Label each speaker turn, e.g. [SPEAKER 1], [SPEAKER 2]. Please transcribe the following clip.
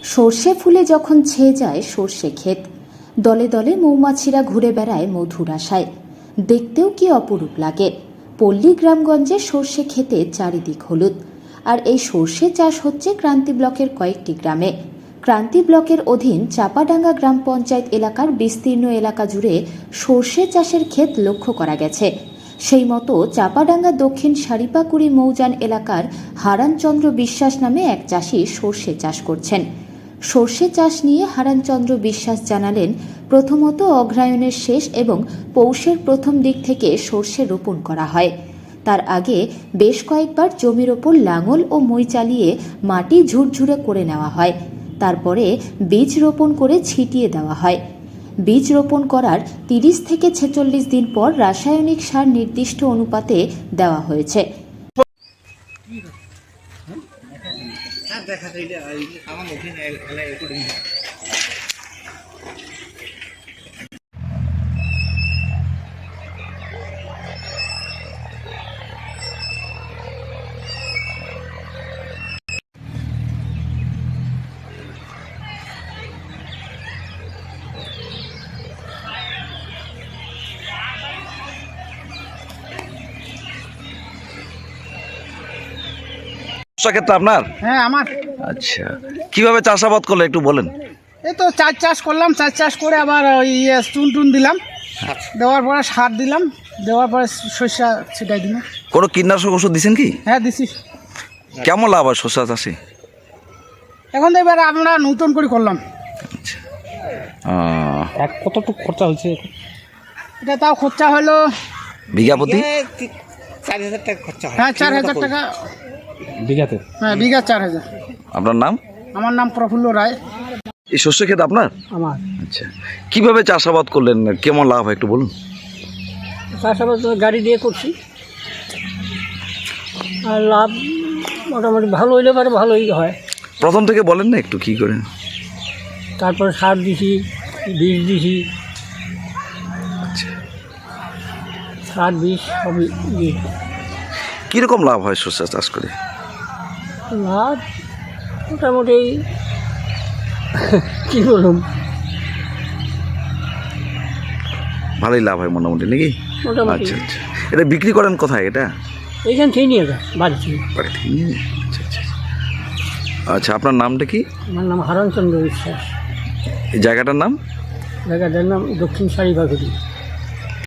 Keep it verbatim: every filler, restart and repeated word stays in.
[SPEAKER 1] সর্ষে ফুলে যখন ছেয়ে যায় সর্ষে ক্ষেত, দলে দলে মৌমাছিরা ঘুরে বেড়ায় মধুর আশায়। দেখতেও কি অপরূপ লাগে। পল্লী গ্রামগঞ্জে সর্ষে ক্ষেতে চারিদিক হলুদ। আর এই সর্ষে চাষ হচ্ছে ক্রান্তি ব্লকের কয়েকটি গ্রামে। ক্রান্তি ব্লকের অধীন চাপাডাঙ্গা গ্রাম পঞ্চায়েত এলাকার বিস্তীর্ণ এলাকা জুড়ে সর্ষে চাষের ক্ষেত লক্ষ্য করা গেছে। সেই মতো চাপাডাঙ্গা দক্ষিণ সারিপাকুড়ি মৌজান এলাকার হারানচন্দ্র বিশ্বাস নামে এক চাষি সর্ষে চাষ করছেন। সর্ষে চাষ নিয়ে হারানচন্দ্র বিশ্বাস জানালেন, প্রথমত অগ্রায়ণের শেষ এবং পৌষের প্রথম দিক থেকে সর্ষে রোপণ করা হয়। তার আগে বেশ কয়েকবার জমির ওপর লাঙল ও মই চালিয়ে মাটি ঝুরঝুরে করে নেওয়া হয়। তারপরে বীজ রোপণ করে ছিটিয়ে দেওয়া হয়। বীজ রোপণ করার তিরিশ থেকে ছেচল্লিশ দিন পর রাসায়নিক সার নির্দিষ্ট অনুপাতে দেওয়া হয়েছে।
[SPEAKER 2] ক্ষেত্রে আপনার?
[SPEAKER 3] হ্যাঁ আমার।
[SPEAKER 2] আচ্ছা, কিভাবে চাষাবাদ করলে একটু বলেন।
[SPEAKER 3] এই তো চাষ চাষ করলাম, চাষ চাষ করে আবার ইয়ে চুন টুন দিলাম, দেওয়ার পরে সার দিলাম, দেওয়ার পরে শস্য ছিটাই দিলাম।
[SPEAKER 2] কোনো কীটনাশক ওষুধ দিচ্ছেন কি?
[SPEAKER 3] হ্যাঁ দিছি।
[SPEAKER 2] কেমন লাভ হয় শস্য চাষে?
[SPEAKER 3] এখন তো এবার আমরা নতুন করে করলাম।
[SPEAKER 2] আচ্ছা, আহ,
[SPEAKER 4] এক কতটুকু খরচা হয়েছে?
[SPEAKER 3] এটা তাও খরচা হলো
[SPEAKER 2] বিঘা প্রতি
[SPEAKER 3] চার হাজার টাকা খরচা হয়। হ্যাঁ চার হাজার টাকা
[SPEAKER 4] বিঘাতে?
[SPEAKER 3] হ্যাঁ বিঘা চার হাজার।
[SPEAKER 2] আপনার নাম?
[SPEAKER 3] আমার নাম প্রফুল্ল রায়।
[SPEAKER 2] এই শস্য ক্ষেত আপনার?
[SPEAKER 3] আমার।
[SPEAKER 2] আচ্ছা, কিভাবে চাষাবাদ করলেন, কেমন লাভ হয় একটু বলুন।
[SPEAKER 5] চাষাবাদ গাড়ি দিয়ে করছি, আর লাভ মোটামুটি ভালো হইলে পারে ভালোই হয়।
[SPEAKER 2] প্রথম থেকে বলেন না একটু কি করে।
[SPEAKER 5] তারপরে সার দিছি, বীজ দিছি,
[SPEAKER 2] আচ্ছা,
[SPEAKER 5] সার বীজ সবই দিই।
[SPEAKER 2] কীরকম লাভ হয় শস্য চাষ করে?
[SPEAKER 5] লাভ মোটামুটি কী বলুন,
[SPEAKER 2] ভালোই লাভ হয় মোটামুটি নাকি?
[SPEAKER 5] মোটামুটি।
[SPEAKER 2] আচ্ছা আচ্ছা, এটা বিক্রি করেন কোথায়? এটা
[SPEAKER 5] এইখান থেকে নিয়ে যায় বাড়ি থেকে।
[SPEAKER 2] বাড়ি থেকে নিয়ে যায়? আচ্ছা আচ্ছা আচ্ছা, আপনার নামটা কি?
[SPEAKER 5] আমার নাম হারানচন্দ্র বিশ্বাস।
[SPEAKER 2] এই জায়গাটার নাম?
[SPEAKER 5] জায়গাটার নাম দক্ষিণ সারিবাগুড়ি।